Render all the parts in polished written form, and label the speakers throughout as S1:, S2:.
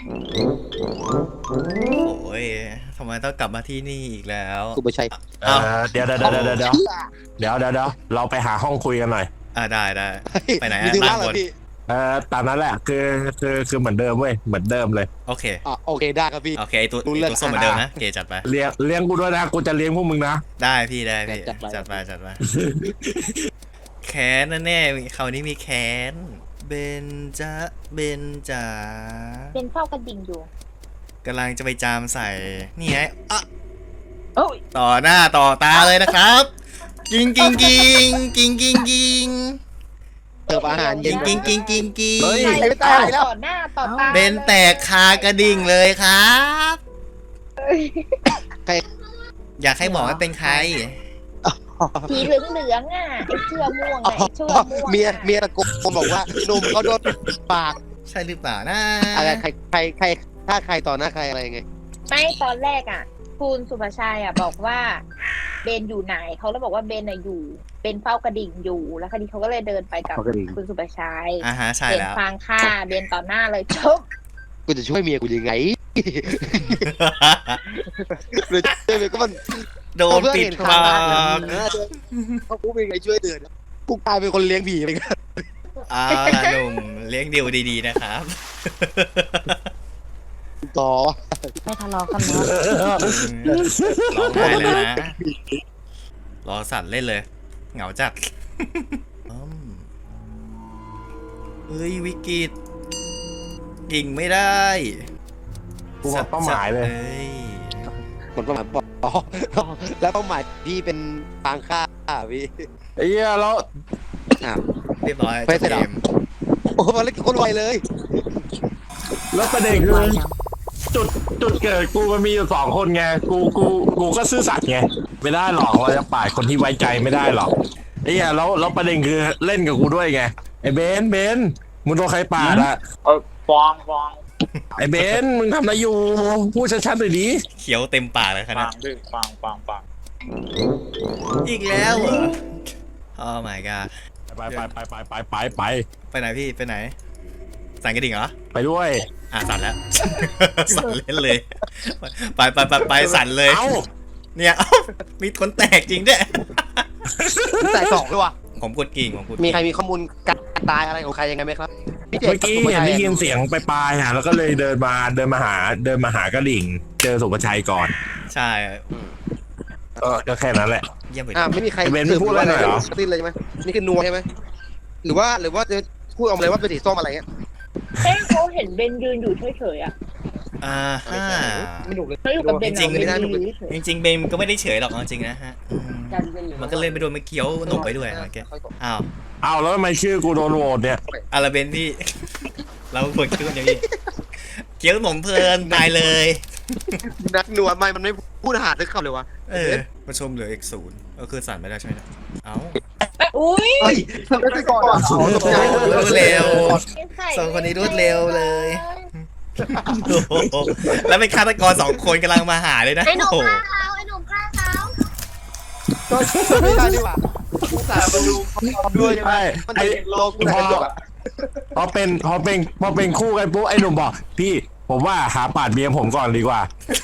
S1: โอ้ยทำไมต้องกลับมาที่นี่อีกแล้ว
S2: กูไม่ใช่
S3: เดี๋ยวเราไปหาห้องคุยกันหน่อย
S1: ได้ไปไหน
S2: มี
S1: อะ
S2: ถึง
S1: ล่า
S2: ล่าง ง
S1: บ
S2: เลย
S1: น
S2: พี่
S3: ตามนั้นแหละคือเหมือนเดิมเว้ยเหมือนเดิมเลย
S1: โอเค
S2: โอเคได้ครับพี่
S1: โอเคไอ้ตัว
S2: รู้เรื่อง
S1: ส้มเหมือนเดิมนะเกจัดไป
S3: เลี้ยงกูด้วยนะกูจะเลี้ยงพวกมึงนะ
S1: ได้พี่ได้พี่
S2: จัดไป
S1: จัดไปแค้นแน่ๆคราวนี้มีแค้นเบนจ๋า
S4: เป็นเฝ้ากระดิ่งอยู่
S1: กำลังจะไปจามใส่นี่ไงอ่ะ
S4: โอ้ย
S1: ต่อหน้าต่อตาเลยนะครับกิง
S2: เติมอาหารเย็น
S1: กิง
S2: เฮ้ย
S4: ใคร
S2: ไม่ตายแล้ว
S4: ต่อหน้าต่อตา
S1: เบนแตกคากระดิ่งเลยครับ
S2: ใคร
S1: อยากให้บอกว่าเป็นใคร
S4: สีเหลืองๆอ่ะไอ้เสื้อม่วง
S2: อ๋อ
S4: ไอ้เสื้อม่วง
S2: เมียตะโกนบอกว่าหนุ่มเขาโดนปาก
S1: ใช่หรือเปล่านะ
S2: อะไรใครถ้าใครต่อหน้าใครอะไรไง
S4: ไม่ตอนแรกอ่ะคุณสุภาชัยอ่ะบอกว่าเบนอยู่ไหนเขาเลยบอกว่าเบนอ่ะอยู่เป็นเฝ้ากระดิ่งอยู่แล้วคดีเขาก็เลยเดินไปกับ
S2: เฝ้ากระดิ่ง
S4: คุณสุภาชัย
S1: ฮะใช่
S4: เบน
S1: แล้ว
S4: ฟางฆ่าเบนต่อหน้าเลยจบ
S2: กูจะช่วยเมียกูยังไงหรือช่วยเมียก็มัน
S1: โดนปิดปาก
S2: เขากูเป็นไงช่วยเดือดกูกลายเป็นคนเลี้ยงผีไปกัน
S1: ล่ะหนุ่มเลี้ยงดิวดีๆนะครับ
S2: ต่อ
S4: ไม่ทะเลาะกันเนาะ
S1: ร้องไห้เลยนะรอสัตว์เล่นเลย เหงาจัดเฮ้ยวิกฤตกิ่งไม่ได้
S3: กูหมดเป้าหมายเลย
S1: อ้ย
S2: หมดเป้าหมายอ๋อแล้วเป้าหมายพี่เป็นฟางฆ่าพี่
S3: ไอ้เหี้ยแล้ว
S1: เรียบร้อย
S2: ไป
S1: จบ
S2: เสร็จ
S1: เก
S2: แล้ว
S1: ม
S2: โอ้โหมันเล่นคนไวเลย
S3: แล้วประเด็นคือจุดเกิดกูมันมีอยู่2 คนไงกูก็ซื่อสัตย์ไงไม่ได้หรอกเราจะปาดคนที่ไว้ใจไม่ได้หรอกไอ้เหี้ยแล้วประเด็นคือเล่นกับกูด้วยไงไอ้เบนมึงโดนใครปาดอะ
S5: ฟอง
S3: ไอ้เบนมึงทำอะไรอยู่พูดชัดๆหน่อยดิ
S1: เขียวเต็มปากเลยข
S5: ฟั
S1: นาด
S5: งด้วยฟัง
S1: อีกแล้วเหรอ Oh my god
S3: ไป
S1: ไปไหนพี่ไปไหนสั่นกระดิ่งเหรอ
S3: ไปด้วย
S1: สั่นแล้ว สั่นเล่นเลย ไปสั่นเลย
S3: เอ้า
S1: เนี่ยมีคนแตกจริงด้วย
S2: ใส่สองด้วยวะ
S1: ผมกดกิ่งผมกด
S2: มี
S1: กิ่ง
S2: ใครมีข้อมูลการตายอะไรของใครยังไงไหมครับพี่เจ
S3: เมื่อกี้เห็นได้ยินเสียงไปปลายๆแล้วก็เลยเดินมาหากระดิ่ง เจอสุภชัยก่อน
S1: ใช่
S3: ก็แค่นั้นแหละ
S1: เยี่ยมไป
S2: ไม่มีใคร
S3: เบนไม่พูดอะไรหน่อยเหรอ
S2: สิ้นเลยใช่ไหมนี่คือนัวใช่ไหมหรือว่าจะพูดออกมาเลยว่าเป็นสีส้มอะไรเงี้ย
S4: เฮ้ยเขาเห็นเบนยืนอยู่เฉยๆอ่ะ
S1: ฮ่า
S2: ไม่หนุกเลย
S4: เขาอยู่กับเบน
S1: จริงๆ
S4: เบนยืนเฉย
S1: จริงๆเบมก็ไม่ได้เฉยหรอกเอาจริงนะฮะมันก็เล่นไปโดนไม่เคี้ยวหนกไปด้วยเมื่อกี้อ้าว
S3: เอาแล้วทำไมชื่อกูโดนโหวตเนี่ย
S1: อะไรเบนพี่ เราควรคิดกันอย่างนี้เคี้ยวหนมเพลินตายเลย
S2: นักนัวไม่มันไม่พูดอาหารนึกคำเลยวะ
S1: ประชมเหลืออีก0ก็คือสั่นไม่ได้ใช่ไหมเนี่ยเอ้า
S4: ๆอุ้ย
S2: เฮ้ยทำได้ก่อนอ่ะ
S1: รวดเร็ว
S4: ใส่
S1: สองคนนี้รวดเร็วเลย โอ้โหแล้วเป็นฆาตกร2 คนกำลังมาหาเลยนะ
S4: ไอ้หนุ่ม
S1: โอ้โห
S4: ฆ่าเขาไอ้หนุ่มฆ่าเขา
S2: ก็ไม่ได้ดีกว่าภาษามาดูด้วยใช่ไหม
S3: ใช่
S2: มัน
S3: ไอ้
S2: จะโลกูได้จบอ่ะ
S3: พอเป็นคู่กันปุ๊บไอ้หนุ่มบอกพี่ผมว่าหาปาดเบียร์ผมก่อนดีกว่า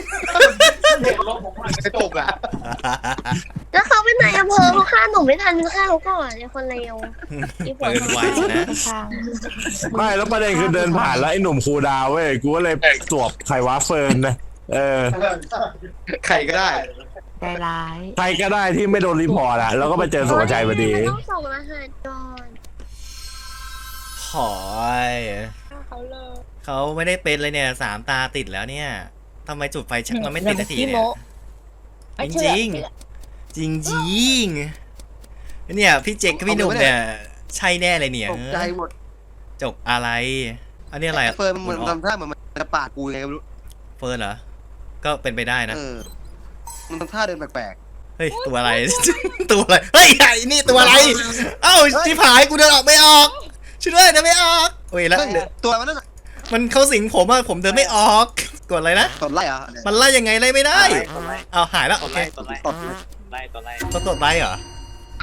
S2: จะจบอ่ะ
S6: แล้วเขาเป็นนายอำเภอเขาฆ่าหนุ่มไม่ทันฆ่าเขาก่อนไอ้คนเลว
S1: เปิดไวสินะ
S3: ไม่แล้วประเด็นคือเดินผ่านแล้วไอ้หนุ่มครูดาวเว้ยกูก็เลยสวบไขว้าเฟิร์นนะ
S2: ใครก็ได้
S4: ใจร้าย
S3: ใครก็ได้ที่ไม่โดนรีพอร์ตอะแล้วก็ไปเจอสุภชัยพอดี
S6: มันต้องส่งรหัสก่อน
S1: หอย
S4: เขาเลย
S1: เขาไม่ได้เป็นเลยเนี่ย3 ตาติดแล้วเนี่ยทำไมจุดไฟชักมันไม่ติดนาทีเนี่ย จริงจริงเนี่ยพี่เจคกับพี่หนุ่มเนี่ยใช่แน่เลยเนี่ย
S2: ตกใจหมด
S1: จกอะไรอันนี้อะไร
S2: เฟิร์นมันเหมือนทำท่าเหมือนมันจะปาดกูยังไงไม่รู้
S1: เฟิร์นเหรอก็เป็นไปได้นะ
S2: มันทำท่าเดินแปลก
S1: เฮ้ยตัวอะไร ตัวอะไรเฮ้ยไอ้นี่ตัวอะไรเอ้าชิบหายกูเดินออกไม่ออกช่วยด้วยเดินไม่ออกโอ้ย
S2: ๆ
S1: แล้ว
S2: เฮ้ยตัวมันนั่น
S1: มันเข้าสิงผมอะผมเดินไม่ออกกดอะไรนะ
S2: ตดไล่เหรอ
S1: มันไล่ยังไงไล่ไม่ได้เอาหายแล้วโอเค
S5: ตัวไล่
S1: ต้องตดไล่เหรอ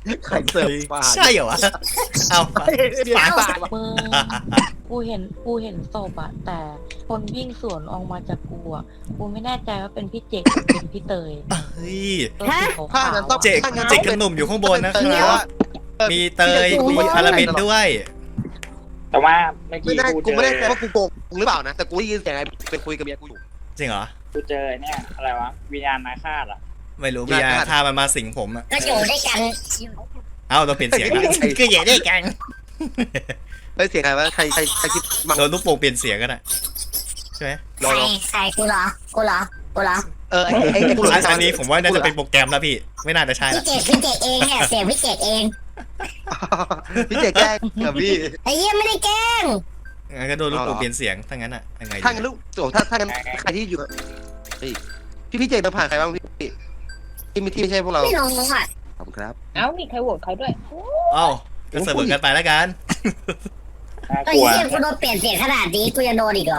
S2: ไข่เสิร์ฟปลา
S1: ใช่เหรอวะเอา
S2: เดี๋ยวตาย
S5: มึงกูเห็นศพอะแต่คนวิ่งสวนออกมาจากกูอะกูไม่แน่ใจว่าเป็นพี่เจกหรือเป็นพี่เตย
S1: เฮ้ย
S5: ตัวสีขาว
S2: ถ้างั้นต้อง
S1: เจกกับหนุ่มอยู่ข้างบนนะครับมีเตยมีอาราบินด้วย
S7: แต่ว่าเมื่อ
S2: ไม่
S7: กี้
S2: ได้
S7: กู
S2: กูไม่ได้
S7: เจ
S2: แปล
S7: อ
S2: ว่ากูโกงหรือเปล่านะแต่กูได้ยินเสียงไอ้เป็นคุยกับเมียกูอยู่
S1: จริงเหรอ
S7: กูเจอเนี่ยอะไรวะวิญญาณนาคาตอ่ะ
S1: ไม่รู้พี่ยาถ้ามันมาสิงผมอะ
S6: ก็อยู่ด้วยกัน
S1: เอ้าเราเปลี่ยนเสียงแล้วก็อย่าได้กัน
S2: เฮ้ยเสียงใครวะใครคิดมา
S1: โดนลูกโป่งเปลี่ยนเสียงกันอะใช่ไหม
S6: ใครกูเหรอกูเหรอกูเหรอ
S2: ไอ้กูรู้
S1: อันนี้ผมว่าน่าจะเป็นโปรแกรมแล้วพี่ไม่น่าจะใช่
S6: พี่
S1: ละ
S6: เจกเองเนี่ยเสียงพี่เจกเอง
S2: พี่เจแกล้งกับพี่
S6: ไอ้เหี้ยไม่ได้แกล้ง
S1: งั้นก็โดนลูกโป่งเปลี่ยนเสียงถ้างั้นอะยังไงดี
S2: ถ้างั้นลูกโจถ้างั้นใครที่อยู่เฮ้ยพี่เจเดินผ่านใครบ้างพี่ที่ไม่ใช่พวกเรา
S6: ไม่ลงมึงอ่ะ
S2: ขอบคุณครับ
S4: เอ้ามีใครโหวตเขาด้วย
S1: เอ้าก็เสมอกันไปแล้วกัน
S7: น่า
S6: ไอ้
S7: กลัว
S6: เหี้ยกูโดนเปลี่ยนเสียงขนาดนี้กูจะโดนอีกเหรอ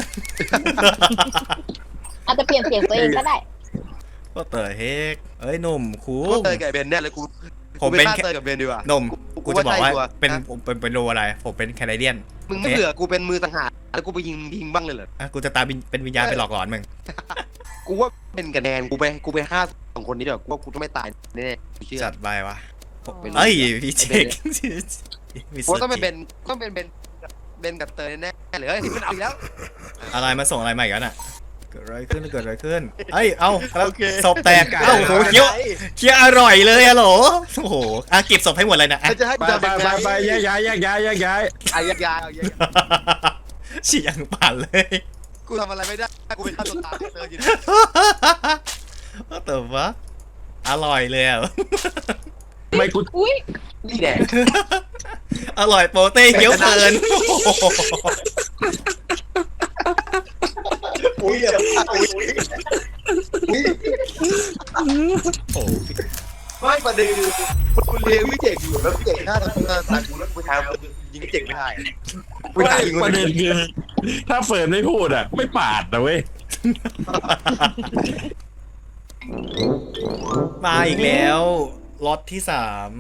S4: อาจจะเปลี่ยนเสียงตัวเองก็ได้
S1: ก็เตยเฮกเอ้ยหนุ่มคู
S2: กูเตยกับเบนแน่เลยกู
S1: ผมเป็น
S2: ฆ่าเตยกับเบนดีกว่า
S1: หนุ่มกูจะบอกว่า
S2: กูว่าใช่
S1: เป็น
S2: นะ
S1: ผมเป็นโลอะไร ผมเป็นแคนาเดียน
S2: มึงไม่เบื่อกูเป็นมือสังหารแล้วกูไปยิงบ้างเลยเหรอ
S1: อ่ะกูจะตามเป็นวิญญาณไปหลอกหลอนมึง
S2: กูว่าเป็นคะแนนกูไปฆ่าสองคนนี้เดี๋ยวกูว่ากูต้องไม่ตายแน่ๆกูเชื่อ
S1: จัดไปวะ
S2: เป็น
S1: เอ้ยพี่เจคมี
S2: กูว่าต้องเป็นเบนกับเตยแน่ๆเลยเฮ้ยมันเอาอีกแล้ว
S1: อะไรมาส่งอะไรมาอีกแล้วน่ะเกิดอะไรขึ้นเอ้ยเอ้าแล้วศพแตกเอ้าโหเคี้ยวอร่อยเลยฮัลโหลโอ้โหอ่ะเก็บศพให้หมดเลยนะอ่ะ
S2: จะให้
S3: ไป
S2: จะ
S3: ไป
S2: เป็น
S3: ไปแยกย้าย
S2: ไอ้ยาเอายา
S1: ฉีกอย่างปั่นเลย
S2: กูทำอะไรไม่ได้กูเป็นฆ่าตัวตายเตยอยู่
S1: แต่ว่าอร่อยเลยอ่ะ
S3: ไม่กู
S4: อุ้ย
S2: นี่แหละ
S1: อร่อยโปเต้เคี้ยวเพลิน
S2: อุ้ย
S1: โอ้โห
S2: ไม่ประเด็นคือคุณเลี้ยงวิเจกอยู่แล้ววิเจกฆ่าตัวตายกูแล้วกูทำยิงวิเจกไม่ได้กู
S3: ไม่
S2: ถ่ายยิง
S3: ประเด็นคือถ้าเฟิร์นไม่พูดอ่ะ ไม่ปาดนะเว้ย
S1: มาอีกแล้วล็อตที่3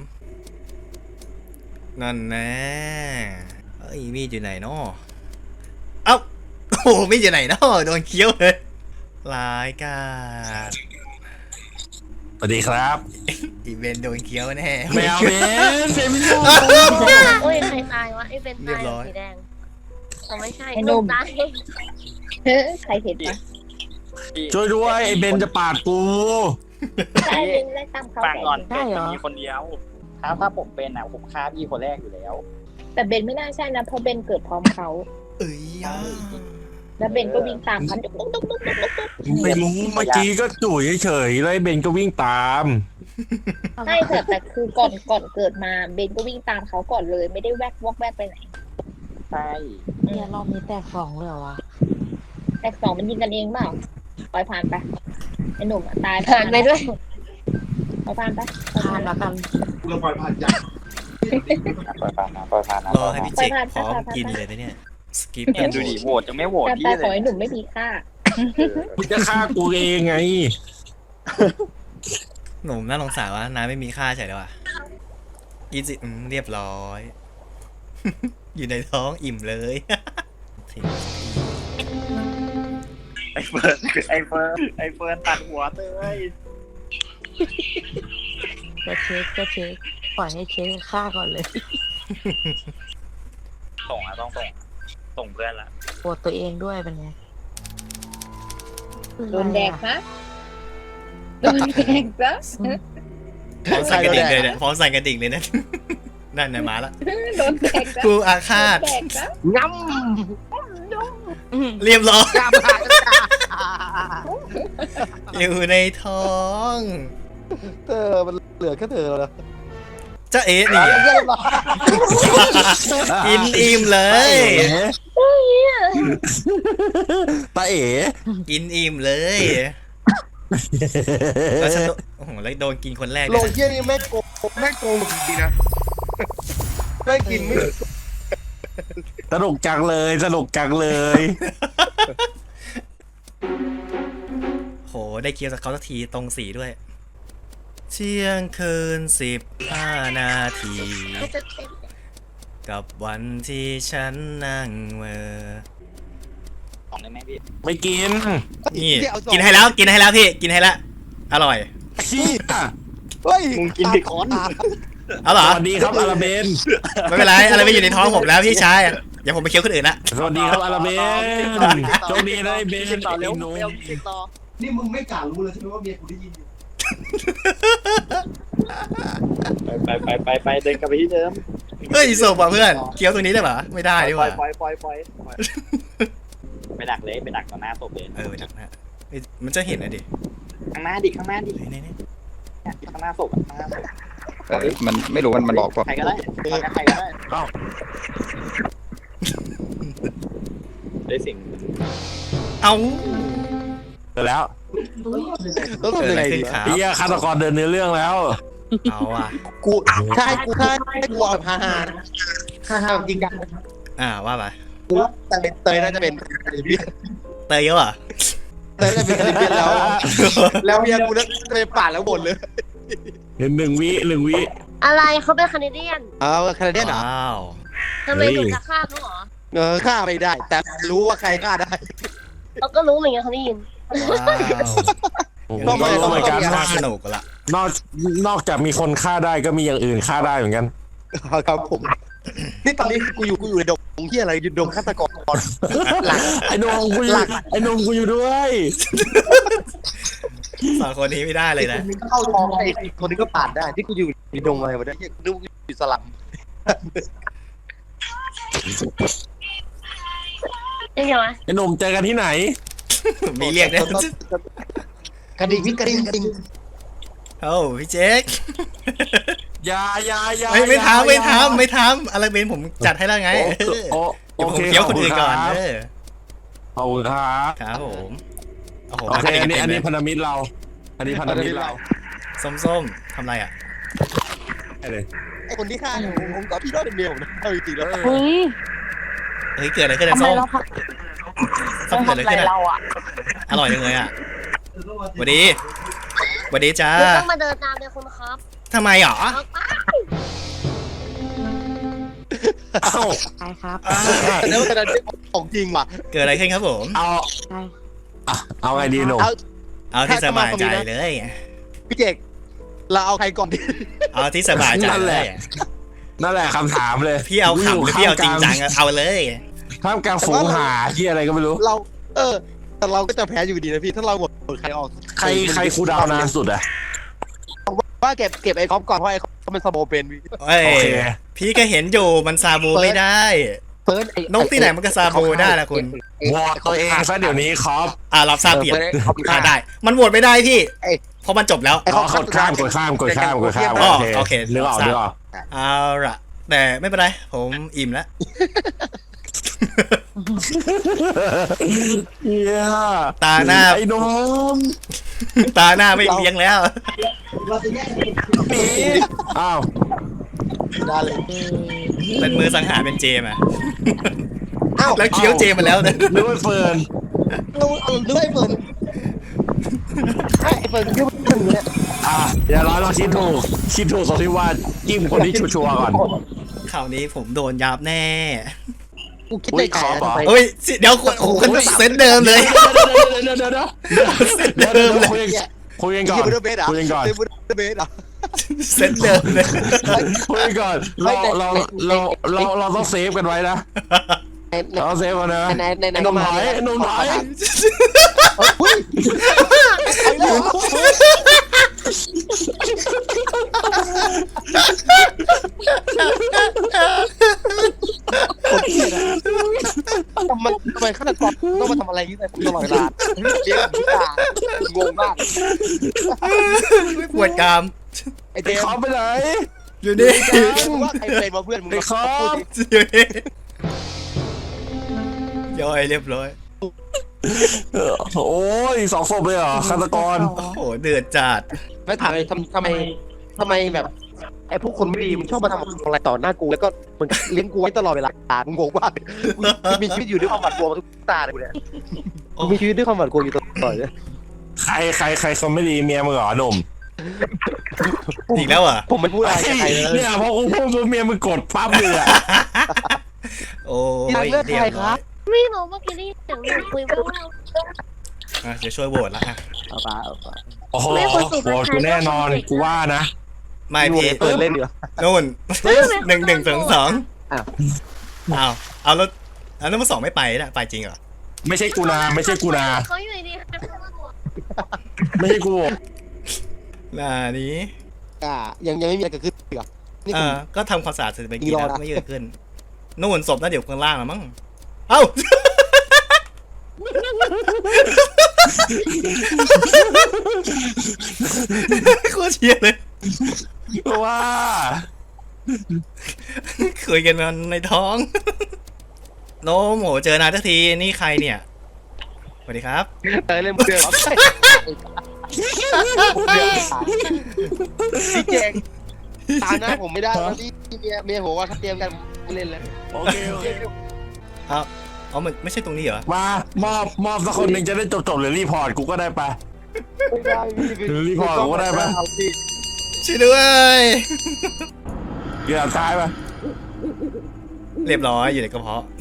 S1: นั่นแน่เอ้ยมีดอยู่ไหนเนาะเอ้าโอ้โหมีดอยู่ไหนเนาะโดนเคี้ยวเลยร้ายกาจ
S3: สวัสดีครับ
S1: อีเวนต์โดนเคี้ยวแน่
S3: ไม่เอาเบนไม่เอา
S6: โอ้ยใครตายวะไอ้เป็นตายสีแดงเขาไม่ใช่ลูกตาย
S4: ใครเห็นปะ
S3: ช่วยด้วยไอ้เบนจะปาดกู
S4: ใช่เล่นไล่ตามเขา
S7: ฟัง
S4: แต่
S7: ก่อนเป็นมันมีคนเดียวถ้าผมเป็นอ่ะผมฆ่าพี่คนแรกอยู่แล้ว
S4: แต่เบนไม่น่าใช่นะเพราะเบนเกิดพร้อมเขา
S1: เอ้ยอ่ะ
S4: แล้วเบนก็วิ่งตามเขาตุ๊กตุ๊กตุ๊กตุ๊กตุ๊กตุ๊ก
S3: ไม่รู้เมื่อกี้ก็จู่เฉยๆแล้วไอ้เบนก็วิ่งตาม
S4: ใช่แต่คือก่อนเกิดมาเบนก็วิ่งตามเขาก่อนเลย ไม่ได้แวกวอกแวกไปไหน
S7: ใช่
S5: เนี่ยรอบนี้แตกสองเลยเหรอวะ
S4: แต่สองมันยิงกันเองเปล่าปล่อยผ่านไปไอ้หนุ่มอะตาย
S6: ผ่านไปด้วย
S4: ปล่อยผ่านไป
S5: ทานละกัน
S7: ปล่อยผ่านนะปล่อยผ่านนะ
S1: รอให้พี่เจคพร้อมกินเลยนะเนี่ยสกิป
S7: เห็นดูดิโหวตยังไม่โหวต
S4: แต่
S7: พี่
S4: แต่
S7: เล
S4: ขอย ให้หนุ่มไม่มีค่า
S3: มึงจะฆ่ากูเองไง
S1: หนุ่มน่าสงสารว่าน้าไม่มีค่าใช่ไหมวะกินสิเรียบร้อย อยู่ในท้องอิ่มเลย
S7: ไอ้เฟิร์นตัดหัวเต้ย
S5: ก็เช็คปล่อยให้เช็คฆ่าก่อนเลย
S7: ส่งต้องส่งเพื่อนละ
S5: ปวดตัวเองด้วยเป็นไง
S4: โดนแดกนะโดนแดกซะ
S1: พร้อมสั่นกระดิ่งเลยเนี่ยพร้อมสั่นกระดิ่งเลยนะ นั่นน่ะมาละ
S4: โดนแดกซะ
S1: กูอาฆาต
S4: โดนแดกซะ
S2: ง้
S1: เรียบร้อย
S2: ำกล้ามา
S1: อยู่ในท้อง
S2: เธอมันเหลือแค่เธอแล้วนะ
S1: เจ้าเอ๋นี่กินอิ่มเลย
S3: ตาเอ๋
S1: กินอิ่มเลยแล้วฉันโอ้โหแล้วโดนกินคนแรกเล
S2: โล
S1: ย
S2: เยี่ยนี่แม่งโกงจริงๆนะแม่งกินไม่
S3: สนุกจังเลย
S1: โหได้เคี้ยวจากเขาสักทีตรงสีด้วยเที่ยงคืน15 นาที กับวันที่ฉันนั่งเมื่อ
S7: ของได้ไหมพี่
S3: ไม่กิน
S1: นี่กินให้แล้วกินให้แล้วพี่กินให้แล้วอร่อย
S3: ขี้อ่ะ
S2: เฮ้ย
S7: มึงกินผิดคน
S1: เอาเหรอ
S3: สวัสดีครับอาราเบน
S1: ไม่เป็นไรอะไรไม่อยู่ในท้องผมแล้วพี่ชายเดี๋ยวผมไปเคี้ยวคนอื่นละ
S3: สวัสดีครับอาราเบนโชคดีนะไอ้เบน
S7: ต่อเร็ว
S3: ไอ้หนุ่ม
S7: เร็วพี่ต่อ
S2: นี่มึงไม่กล้ารู้เลยใช่ไหมว่าเมียกูได้ยินอยู่
S7: ไปเดินกลับไปที่เดิม
S1: เฮ้ยศพอ่ะเพื่อนเคี้ยวตรงนี้ได้ปะไม่ได้ดีกว่า
S7: ปล่อยไปดักเลยไปดักต่อหน้าศพเลย
S1: ไปดักนะเฮ้ยมันจะเห็นนะดิ
S7: ข้างหน้าดิข้างหน้าดิ
S1: นี่
S7: ข้างหน้าศพข้างหน้าศพ
S8: มันไม่รู้มันบอกว่า
S7: ใครก็ได้ใครก็ได้
S3: เอ้า
S7: ได้สิ่ง
S1: เอา
S3: เสร็จแล้ว
S2: ต้อง
S1: เกิด
S2: ทำ
S1: อะ
S2: ยัง
S1: ไร
S2: ไง
S1: ขึ้
S2: ดี
S1: นครับ
S3: เฮียฆาตกรเดินเนื้อเรื่องแล้ว
S1: เอาอ่ะ
S2: กูถ้าให้กูเอาแบบฮาจริงจัง
S1: ว่าไป
S2: กูว่าเตยน่าจะเป็นคาริเบียน
S1: เตยเยอะเหรอ
S2: เตยน่าจะเป็นคาริเบียนแล้วเมียกูน่าจะเป็นป่าแล้วบ่นเลย
S3: เห็นหนึ่งวิ
S6: อะไรเขาเป็นแคนาเดียน
S2: เอาคาริเบียนเหรอ
S1: ว้าว
S6: ทำไมหนูจะฆ่าเขาเหรอ
S2: ฆ่าไม่ได้ แต่รู้ว่าใครฆ่าได้
S6: เราก็รู้เหมือนกันเขาได้ยิน
S1: ว้าว
S3: ผมก็รู้เหมือนกัน
S1: น่า
S3: ว่า
S1: สนุกละ
S3: นอกจากมีคนฆ่าได้ก็มีอย่างอื่นฆ่าได้เหมือนกัน
S2: ครับผมนี่ตอนนี้กูอยู่ในดงที่อะไรอยู่ดงฆาตกรหลัง
S3: ไอ้นมกูอยู่ด้วย
S1: สองคนนี้ไม่ได้เลยนะ
S2: เข้าท้องไอ้คนนี้ก็ผ่านได้ที่กูอยู่ในดงอะไรวะเนี่ยดูอยู่สลับ
S6: ยังไงวะ
S3: ไอ้หนุ่มเจอกันที่ไหน
S1: มีเรียกเนี่ย
S2: กระดิ่งพี่กระดิ่ง
S1: โอ้พี่เจ๊ก
S3: อย่า
S1: ไม่ทำอะไรเป็นผมจัดให้แล้วไง
S3: โอ
S1: เดี๋ยวผ
S3: เค
S1: มเคี้ยวคนอื่นก่อน
S3: ขอบคุณครับ
S1: ครับผมโอ้โห
S3: โอเคอันนี้พันธมิตรเรา อันนี้พันธมิตรเรา
S1: ส้มทำไรอ่ะ
S3: ได้เลย
S2: ไอ้คนที่ฆ่าเนี่ยผมกับพี่น้องเป็นเมียผมนะเอาจริงๆแล้ว
S5: เฮ้ย
S1: เฮ้ยเกิดอะไรขึ้น
S5: ทำ
S1: อะ
S5: ไม
S1: ส้ม
S5: เรา
S1: ส้มเกิดอะไร
S5: ทำอะไร
S1: ขึ้นอะ
S5: เราอ่ะ
S1: อร่อยจังเลยอ่ะสวัสดีจ้า
S6: คุณต้องมาเดินตามเลยคุณครับ
S1: ทำไมหรอ
S3: เอ้า
S5: ใช่ครับ
S2: แล้วแต่นั้นของจริงว่ะ
S1: เกิดอะไรขึ้นครับผม
S5: ใช่
S3: เอาไงดีหนุ่ม
S1: เอาที่สบายใจเลย
S2: พี่เจกเราเอาใครก่อนดี
S1: เอาที่สบายใจเลย
S3: นั่นแหละคำถามเลย
S1: พี่เอาขำหรือพี่เอาจริงจังอะเอาเลย
S3: ท่ามกลางฝูงหาที่อะไรก็ไม่รู้
S2: เราแต่เราก็จะแพ้อยู่ดีนะพี่ถ้าเราหมดใครออก
S3: ใครคูลดาวน์นานสุดอะ
S2: ว่าเก็บไอ้คอปก่อนเพราะไอ้คอปมันสโมเป็นพี่
S1: เอ้ย
S3: โอเค
S1: พี่ก็เห็นอยู่มันซาบูไม่ได้
S2: เฟิร์สไอ้
S1: นกที่ไหนมันก็ซาบูได้ล่ะคุณ
S3: วอดตัวเองซะเดี๋ยวนี้ครับ
S1: รับทราบเปลี่ยน
S2: เขาฆ่า
S1: ได้ มันโหวตไม่ได้พี่
S2: เอ้ย
S1: เพราะมันจบแล้ว
S2: ไอ้เขา
S3: กดข้าม
S1: อ๋อโอเค
S3: นึกออก
S1: เอาละแต่ไม่เป็นไร ผมอิ่มแล้ว
S3: เฮีย
S1: ตาหน้า
S3: ไอ้นม
S1: ตาหน้าไม่เลี้ยงแล้ว
S3: อ้าว
S2: ได้เลย
S1: เป็นมือสังหารเป็นเจมอะ
S2: อ้าว
S1: แล้วเคี้ยวเจมมาแล้วนะ
S3: นึกว่าเฟิร์น
S2: เราดูไอ้เฟิร์นไอ้เฟิร์นเยอะมากเนี่ย
S3: เดี๋ยวเราลองคิดถูกตรงที่ว่าจิ้มคนที่ชัวร์ก่อน
S1: ข่าวนี้ผมโดนยับแน่
S2: กูคิดในใจทำไม
S1: เฮ้ยเดี๋ยวโอ้โหเซนเดิมเลย
S3: เดี๋ยวคุยกันก่อน
S2: บูดาเบสอ่ะ
S3: คุยกันก่อน
S2: บูดาเบสอ่ะ
S1: เซนเดิมเลย
S3: คุยกันก่อนเราต้องเซฟกันไว้นะเราต้องเซฟกันนะ
S2: ใน
S3: ไอ้นมถอยไอ้นมถอย
S2: อุ้ย ทำไมฆาตกรต้องมาทำอะไรที่ไหนตลอดเวลาเลี้ยงพิการงงมาก
S1: ปวดกราม
S2: ไอ้เจ
S3: ไอ้
S2: ม
S3: คอมไปไหน
S1: อยู่นี่
S2: ว่าใครเป็นมาเพื่อนมึง
S3: ไอ้คอม
S1: อยู่นี่ย่อยเรียบร้อย
S3: โอ้ย2 ศพเลยเหรอฆาตกร
S1: โอ้โหเดือดจัด
S2: ไม่ถามเลยทำไมแบบไอ้พวกคนไม่ดีมันชอบมาทำอะไรต่อหน้ากูแล้วก็มึงเลี้ยงกูไว้ตลอดเวลามึงงงมากกูมีชีวิตอยู่ด้วยความหวาดกลัวมาทุกตาเลยกูเนี่ยกูมีชีวิตด้วยความหวาดกลัวอยู่ตลอดเลย
S3: ใครเขาไม่ดีเมียมึงเหรอหนุ่ม
S2: ใ
S1: อีกแล้วเหรอ่ะ
S2: ผมไม่พูดอะไรกับใครเลย
S3: เนี่ยพอกูพูดปุ๊บเมียมึงกดปั๊บเลยอ่ะ
S1: โอ้ย
S2: เลือก
S1: เรีย
S2: ใคร
S1: บ
S2: ค
S1: ร้
S2: รั
S1: อบ ย
S6: ไม่รู้เมื่อกี้ได้ยินเสียงหนูคุยว่า
S1: อ่ะเดี๋ยวช่วยโหวตละอ่ะ
S2: เอาปะเอาปะ
S3: โอ้โหโหดกูแน่นอนกูว่านะ
S1: ไม่พี
S2: เปิดเล่นเดี๋ยว
S1: นู่น1-1-2
S2: อ้าว
S1: เอาแล้วมาสองไม่ไปนะไปจริงเหรอ
S3: ไม่ใช่กูนาไม่ใช่กูนา
S6: เขาอยู่ดีค่ะ
S3: ไม่ใช่กู
S1: น่านี้
S2: ยังไม่มีอะไรเกิดขึ้นอีกเหรอนี่ผม
S1: ก็ทำความสะอาดเสร็จไป
S2: อี
S1: กี่
S2: รอ
S1: แล้ว
S2: นะ
S1: ไม่เยอะขึ้นนู่นศพน่าเดี๋ยวข้างล่างแล้วมั้งเอ้า โคตรเชียร์เลย
S3: ว่า
S1: คุยกันมันในท้อง โน้มโหเจอนานทักทีนี่ใครเนี่ยสวัสดีครับ
S2: เล่นเดือดพี่เจงตาหน้าผมไม่ได้แล้วพี่เมียผมว่าถ้าเตรียมกันเล่นแล้ว
S3: โอเคโอเค
S1: อ๋อมันไม่ใช่ตรงนี้เหรอ
S3: มามอบสักคนหนึ่งจะได้จบหรือรีพอร์ตกูก็ได้ปะ
S2: ไม่ได้พี่
S3: รีพอร์ตผมก็ได้ปะ
S1: ช่วยด้วย
S3: เกือบซ้ายปะ
S1: เรียบร้อยอยู่ในกระเพาะ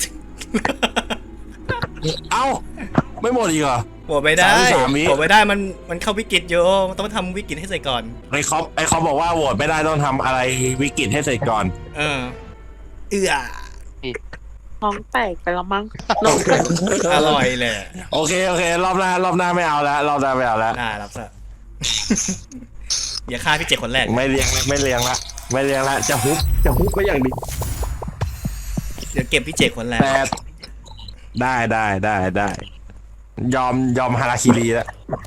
S3: เอ้าไม่หมดอีกเหรอ
S1: โหวตไม่ได้
S3: 33วิ
S1: โหวตไม่ได้มันเข้าวิกฤตอยู่ต้องทำวิกฤตให้เสร็จก่อน
S3: ไอ้เขาบอกว่าโหวตไม่ได้ต้องทำอะไรวิกฤตให้เสร็จก่อน
S1: เอื้อ
S5: ท้องแตกไปแล้วมั้ง
S1: อร่อยเลย
S3: โอเครอบหน้าไม่เอาแล้วรอบหน้าไม่เอาแล้ว
S1: น่ารับซะ อย่าฆ่าพี่เจ็ดคนแรก
S3: ไม่เลี้ยงละจะฮุบก็อย่างดี
S1: เดี๋ยวเก็บพี่เจ็ดคนแรก
S3: แต่ได้ยอมฮาราคิรีแล้ว